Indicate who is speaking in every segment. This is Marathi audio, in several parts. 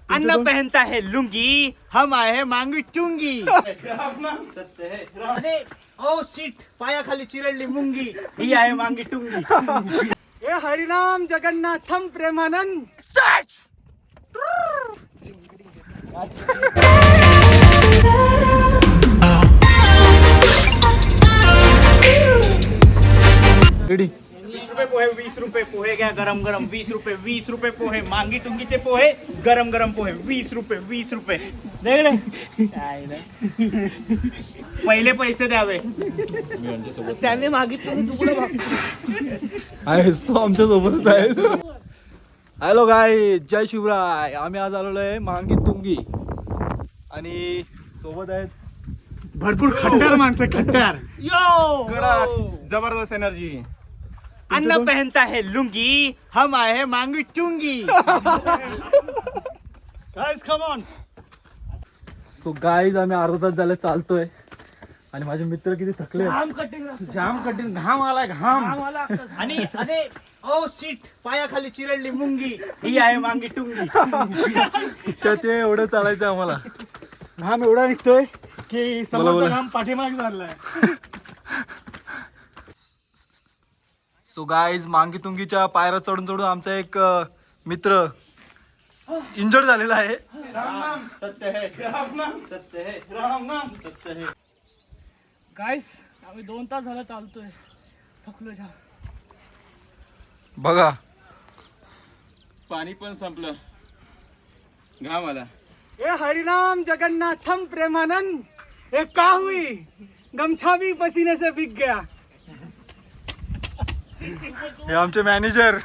Speaker 1: अन्ना पहनता है लुंगी, हम आए हैं मांगी टुंगी. सत्य है. अरे ओ सीट पायाखाली चिरडली मुंगी, ही आहे मांगी टुंगी.
Speaker 2: हे हरिनाम जगन्नाथम प्रेमानंद.
Speaker 3: रेडी.
Speaker 1: 20 रुपये पोहे, 20 रुपये पोहे घ्या गरम गरम. 20 रुपये पोहे, मांगी टुंगीचे पोहे गरम गरम पोहे. 20 रुपये. पहिले पैसे द्यावे.
Speaker 2: त्याने मागितलं तू कुठे मागतो?
Speaker 3: आहेस तो आमच्या सोबतच आहे. Hello guy, Jai Shivrai. आम्ही आज आलेलो आहे मांगी तुंगी आणि सोबत आहेत
Speaker 2: भरपूर खट्टर माणसं, खट्टर.
Speaker 3: जबरदस्त एनर्जी.
Speaker 1: अन्ना पहनता है लुंगी, हम आए हैं Mangi Tungi.
Speaker 2: Guys come on.
Speaker 3: So guys आम्ही अर्धा तास झाले चालतोय आणि माझे मित्र किती थकले.
Speaker 2: जाम कठीण घाम आलाय, घाम.
Speaker 1: आणि अरे ओ सीट पायाखाली चिरडली मुंगी, ही आहे मांगी टुंगी.
Speaker 3: तर ते एवढं चालायचं आम्हाला.
Speaker 2: घाम एवढा निघतोय की
Speaker 3: बोला.
Speaker 2: समोरचा घाम पाठीमागे झालाय.
Speaker 3: सो गाईज मांगी तुंगीच्या पायऱ्या चढून चढून आमचा एक मित्र इंजर्ड झालेला आहे.
Speaker 1: सत्य है. सत्य है.
Speaker 2: गाइस आम्ही 2 तास झालं चालतोय, थकलो जाम.
Speaker 3: बघा
Speaker 4: पाणी पण संपलं, घाम आला.
Speaker 2: हे हरिनाम जगन्नाथम प्रेमानंद. ये का हुई, गमछा भी पसीने से भीग गया.
Speaker 3: हे आमचे मॅनेजर.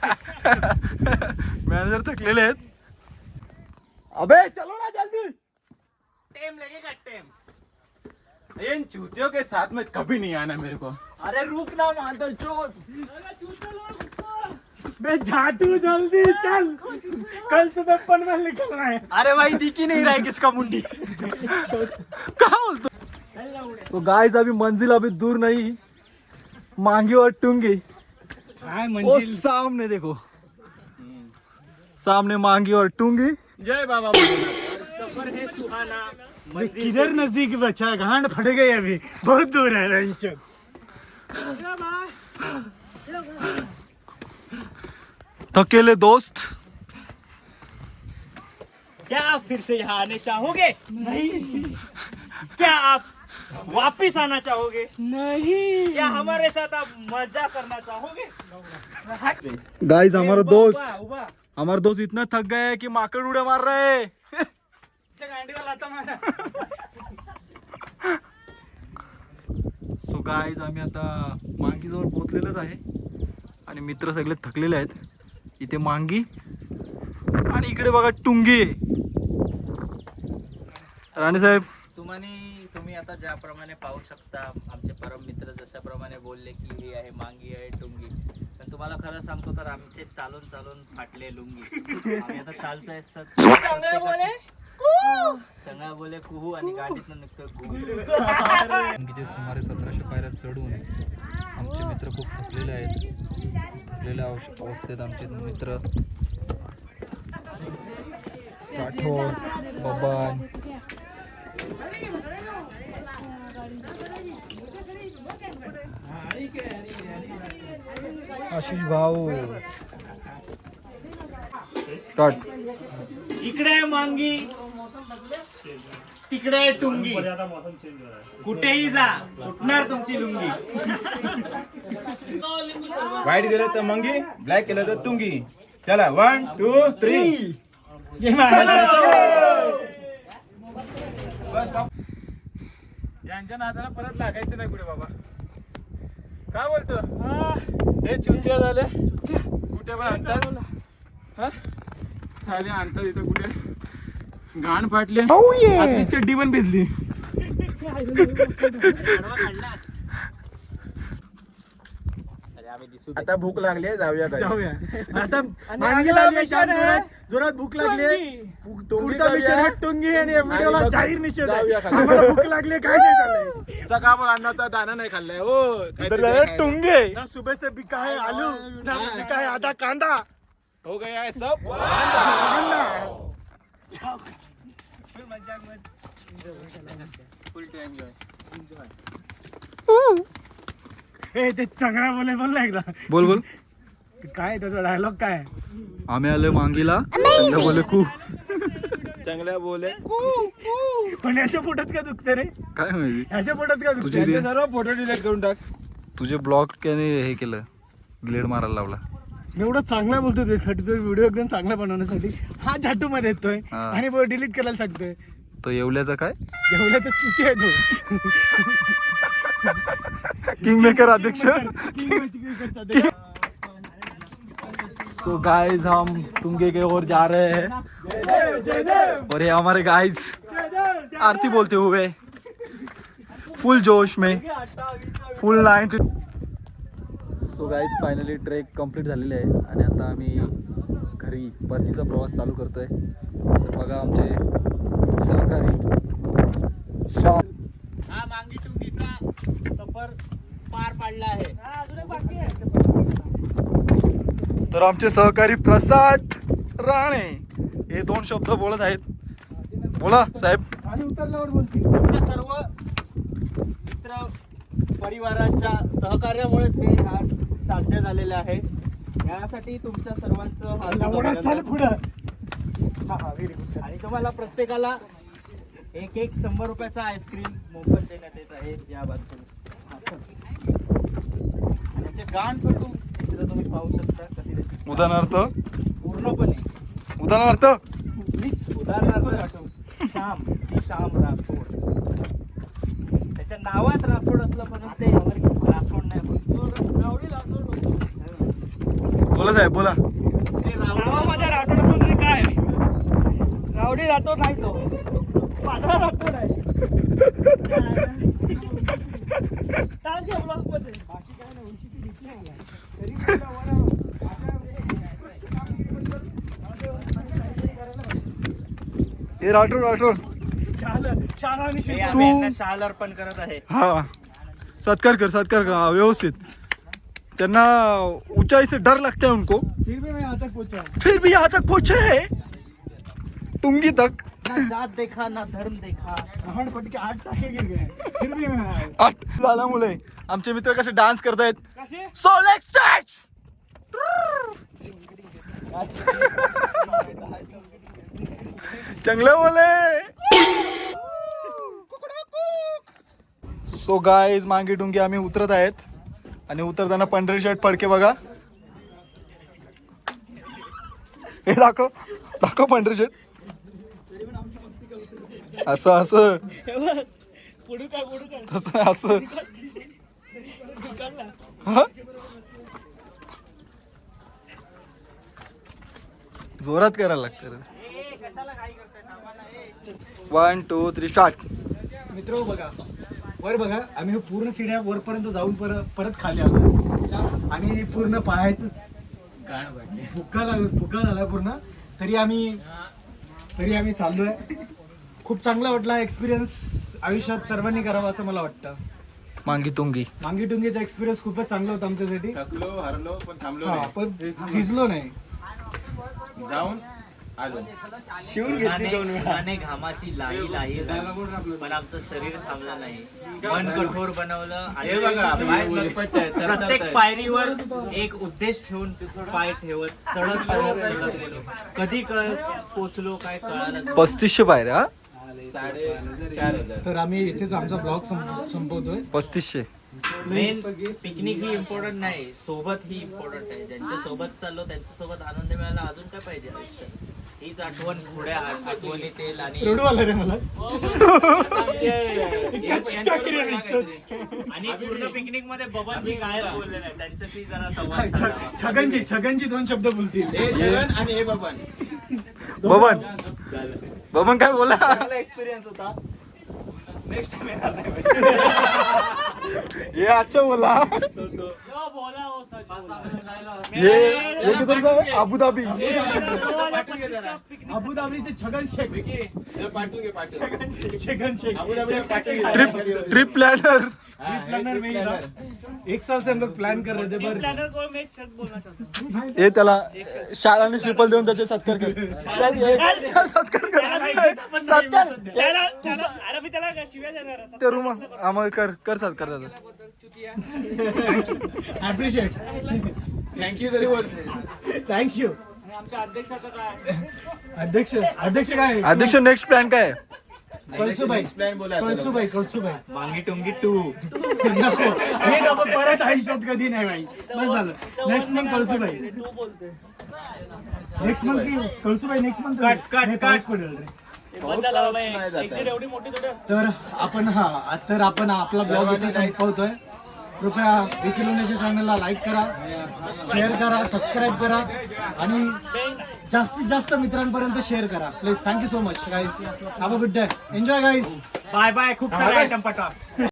Speaker 3: मॅनेजर थकलेले आहेत. अबे चलो ना जल्दी.
Speaker 1: टेम लगेगा टेम.
Speaker 4: इन चूतियों के साथ में कभी नहीं आना मेरे को.
Speaker 1: अरे रुक ना मादर चोट.
Speaker 2: बे झाटू जल्दी चल, कल सुबह पनवेल निकलना है.
Speaker 1: अरे भाई दिखी नहीं रहा है किसका मुंडी.
Speaker 3: क्या बोलतो. सो गाइस अभी मंजिल अभी दूर नहीं, मांगी और टुंगी.
Speaker 2: काय
Speaker 3: वो
Speaker 2: मंजिल.
Speaker 3: सामने देखो, सामने मांगी और टुंगी.
Speaker 4: जय बाबा भोलेनाथ.
Speaker 1: सफर है सुहाना.
Speaker 2: किधर नजदीक बचा, गांड फट गई अभी, बहुत दूर है रंचन.
Speaker 3: थकेले दोस्त.
Speaker 1: क्या आप फिर से यहाँ आने चाहोगे? नहीं. क्या आप वापिस आना चाहोगे?
Speaker 2: नहीं.
Speaker 1: क्या हमारे साथ आप मजा करना चाहोगे?
Speaker 3: गाइस हमारा दोस्त,
Speaker 1: उभा, उभा.
Speaker 3: हमारा दोस्त इतना थक गया है कि माकड़ उड़े मार रहे है.
Speaker 1: त्या गांडीवर लाथा मारा.
Speaker 3: सो गाइस आम्ही आता मांगी जवळ पोहोचलेलोच आहे आणि मित्र सगळे थकलेले आहेत. इथे मांगी आणि इकडे बघा टुंगी. राणे साहेब
Speaker 1: तुम्ही आता ज्याप्रमाणे पाहू शकता, आमचे परम मित्र जशाप्रमाणे बोलले की हे आहे मांगी आहे टुंगी, पण तुम्हाला खरं सांगतो तर आमचे चालून चालून फाटले लुंगी. आम्ही आता चालतोय चंगळा बोले कुहू आणि गाडीतनं निघतोय कुहू.
Speaker 3: टुंगीचे सुमारे 1700 पायऱ्या चढून आमचे मित्र खूप थकलेले आहेत. थकलेल्या अवस्थेत आमचे मित्र राठोड, बबन, आशिष भाऊ. स्टार्ट.
Speaker 1: इकडे आहे मांगी, तिकडे आहे टुंगी. कुठेही जा, सुटणार तुमची लुंगी.
Speaker 4: व्हाईट गेलं तर मंगी, ब्लॅक केलं तर तुंगी. चला 1 2 3. यांच्या नादाला परत लागायचं नाही पुढे बाबा. काय बोलतो हे चुत्या झाले, कुठे पण आणतात. झाले आणतात इथं कुठे. घाण फाटले, आपली चड्डी पण भिजली. आता भूक लागली, जाऊया घरी.
Speaker 2: जाऊया आता. मांगी लागली, जाम जोरात भूक लागली. पुढचा मिशन आहे टुंगी आणि या व्हिडिओला जाहीर निषेध आहे.
Speaker 4: जाऊया खाली.
Speaker 2: आम्हाला भूक लागली, काय नाही झालंय.
Speaker 4: सकाळ अन्नाचा दाना नाही खाल्लाय हो.
Speaker 3: टुंगे.
Speaker 2: ना सुबह से बिका है आलू, ना बिका है आधा कांदा.
Speaker 4: हो गया है सब.
Speaker 2: ए ते चांगला बोल ना एकदा.
Speaker 3: बोल बोल.
Speaker 2: काय त्याचा डायलॉग काय?
Speaker 3: आम्ही आलोय मांगीला, चांगलं बोले खूप.
Speaker 4: चांगल्या बोले
Speaker 2: पण याच्या पोटात का दुखते रे?
Speaker 3: काय माहिती
Speaker 2: याच्या पोटात का
Speaker 3: तुझी
Speaker 2: दुखते?
Speaker 3: ते-
Speaker 4: सर्व फोटो डिलीट करून टाक.
Speaker 3: तुझे ब्लॉग त्याने हे केलं, ग्लेड मारायला लावला.
Speaker 2: मी एवढा चांगला बोलतो त्यासाठी, तो व्हिडिओ एकदम चांगला बनवण्यासाठी हा झाटू मध्ये येतोय
Speaker 3: हा.
Speaker 2: आणि डिलीट करायला सांगतोय.
Speaker 3: तो येवल्याचा काय
Speaker 2: जेवढा तर चुकी आहे तो.
Speaker 3: किंग मेकर अध्यक्ष.
Speaker 2: करतात.
Speaker 3: सो गाइस हम तुंगे के ओर जा रहे हैं और ये हमारे गाइस आरती बोलते हुए फुल जोश में full line. So guys finally trek complete झालेली आहे आणि आता आम्ही घरी परतीचा प्रवास चालू करतोय. तर बघा आमचे सहकारी श्याम.
Speaker 1: हा मांगी टुंगीचा सफर पार पाडला आहे.
Speaker 3: तर आमचे सहकारी प्रसाद राणे हे 2 शब्द बोलत आहेत. बोला साहेब.
Speaker 2: आणि उतरल्यावर बोलतील.
Speaker 1: तुमच्या सर्व मित्र परिवाराच्या सहकार्यामुळेच हे आज साध्य झालेलं आहे. यासाठी तुमच्या सर्वांचं हार्दिक
Speaker 2: एवढं चाल
Speaker 1: अभिनंदन.
Speaker 2: पुढं. हा व्हेरी गुड.
Speaker 1: आणि तुम्हाला प्रत्येकाला एक 100 रुपयाचा आईस्क्रीम मोफत देण्यात येत आहे या बाजूला. आणि आमचे गाण पेटू तिथं तुम्ही पाहू शकता कशी त्याची
Speaker 3: उदाहरणार्थ
Speaker 1: पूर्णपणे
Speaker 2: प्लीज
Speaker 1: उदाहरणार्थ श्याम राठोड. त्याच्या नावात राठोड असलं पण ते राठोड नाही
Speaker 3: बोला साहेब बोला.
Speaker 2: नावामध्ये राठोड असं तरी काय? रावडी राठोड नाही तो, पांढरा राठोड आहे. बाकी काय नाही, उंची ती भीती आहे मला. तरी मला
Speaker 3: हे राठोड राठोड
Speaker 2: शाळा आणि
Speaker 1: हे
Speaker 2: शिल्प.
Speaker 1: आम्ही यांना शाल अर्पण करत आहे.
Speaker 3: हा सत्कार कर हा, व्यवस्थित. त्यांना ऊंचाई से डर लगता है उनको,
Speaker 2: फिर भी मैं यहाँ तक पहुंचा.
Speaker 3: फिर भी यहाँ तक पहुंचे है टुंगी तक.
Speaker 1: ना जात देखा ना धर्म देखा.
Speaker 2: आपण पटके 8 टाके गिर गए. फिर भी मैं आया.
Speaker 3: 8 झाल्यामुळे आमचे मित्र कसे डान्स करतायत.
Speaker 2: कसे?
Speaker 3: So let's start. चांगलं बोले. सो गाइस मांगी टुंगी आम्ही उतरत आहेत आणि उतरताना पंढरी शर्ट फडके बघा. हे दाखव पंढरी शर्ट. असं तसं असं हा? जोरात करायला लागतं रे. 1 2 3 स्टार्ट.
Speaker 2: मित्र बघा वर बघा, आम्ही पूर्ण सिड्या वरपर्यंत जाऊन परत खाली आलो आणि पूर्ण पाहायचं फुक्का झाला पूर्ण. तरी आम्ही चाललोय. खूप चांगला वाटला एक्सपिरियन्स. आयुष्यात सर्वांनी करावा असं मला वाटतं.
Speaker 3: मांगी तुंगी
Speaker 2: मांगी टुंगीचा एक्सपिरियन्स खूपच चांगला होता आमच्यासाठी.
Speaker 4: थकलो हरलो पण थांबलो
Speaker 2: हा,
Speaker 4: नाही.
Speaker 2: पण झिजलो नाही.
Speaker 4: जाऊन आलो.
Speaker 1: उन्हाने घामाची लाही झाली, पण आमचं शरीर थांबलं नाही. मन कठोर बनवलं
Speaker 4: हे बघा पाय लटपट आहेत,
Speaker 1: प्रत्येक
Speaker 4: तरतरत
Speaker 1: पायरीवर एक उद्देश ठेवून पाय ठेवत चढत गेलो. कधी पोचलो काय कळालं.
Speaker 3: 3500 पायऱ्या.
Speaker 4: 4,500.
Speaker 2: तर आम्ही इथेच आमचा ब्लॉग संपवतोय.
Speaker 3: 3500.
Speaker 1: मेन पिकनिक ही इम्पॉर्टंट नाही, सोबत ही इम्पॉर्टंट आहे. ज्यांच्या सोबत चाललो त्यांच्या सोबत आनंद मिळाला अजून काय पाहिजे आयुष्यात. हीच आठवण पुढे आठवणी तेल आणि
Speaker 2: रडू आलं रे मला.
Speaker 1: आणि पूर्ण पिकनिक मध्ये बबनजी काय बोलले नाही, त्यांच्याशी जरा संवाद साधावा.
Speaker 2: छगनची 2 शब्द बोलतील.
Speaker 4: हे जगन आणि हे बबन.
Speaker 3: बबन काय बोला.
Speaker 1: चांगला एक्सपिरियन्स होता. नेक्स्ट टाइम येणार नाही.
Speaker 3: ये अच्छा बोला. ये किधर से है? Abu Dhabi.
Speaker 4: पाठवून घे जरा.
Speaker 2: अबू धाबी से छगन शेख.
Speaker 4: जरा पाठवून घे पाठवून.
Speaker 2: छगन शेख.
Speaker 4: अबुधाबी में पाठवून घे.
Speaker 3: Trip planar.
Speaker 2: प्लानर में ही था. 1 साल से हम लोग प्लान कर रहे थे पर
Speaker 3: हे त्याला शाळाने श्रीफल देऊन त्याचे सत्कार कर. सत्कार कर. सत्तर
Speaker 5: अरे मी त्याला शिव्या देणार आहे.
Speaker 3: ते रूम आम्हाला करतात
Speaker 2: ऍप्रिशिएट
Speaker 4: थँक्यू तरी बोलते.
Speaker 2: थँक्यू.
Speaker 5: आणि आमच्या अध्यक्षाचं काय
Speaker 2: अध्यक्ष काय
Speaker 3: अध्यक्ष नेक्स्ट प्लॅन काय आहे?
Speaker 2: कळसुबाई
Speaker 4: प्लॅन बोला आता.
Speaker 2: कळसुबाई
Speaker 1: मांगी टुंगी 2.
Speaker 2: नको हे नको परत आयुष्यात कधी नाही भाई. बस झालं. Next month Kalsubai.
Speaker 5: तू बोलतोय
Speaker 2: नेक्स्ट मंथ की कळसुबाई नेक्स्ट मंथ कट पडेल रे.
Speaker 5: बस झाला बाबा.
Speaker 4: नाही जात
Speaker 5: एक्झिट एवढी मोठी थोडी असते.
Speaker 2: तर आपण आपला ब्लॉग इथे संपवतोय. कृपया विकिलोनेच्या चॅनलला लाईक करा, शेअर करा, सबस्क्राईब करा आणि जास्तीत जास्त मित्रांपर्यंत शेअर करा please. Thank you so much guys. Have a good day. Enjoy guys. Bye bye. खूप सारे आयटम पटा.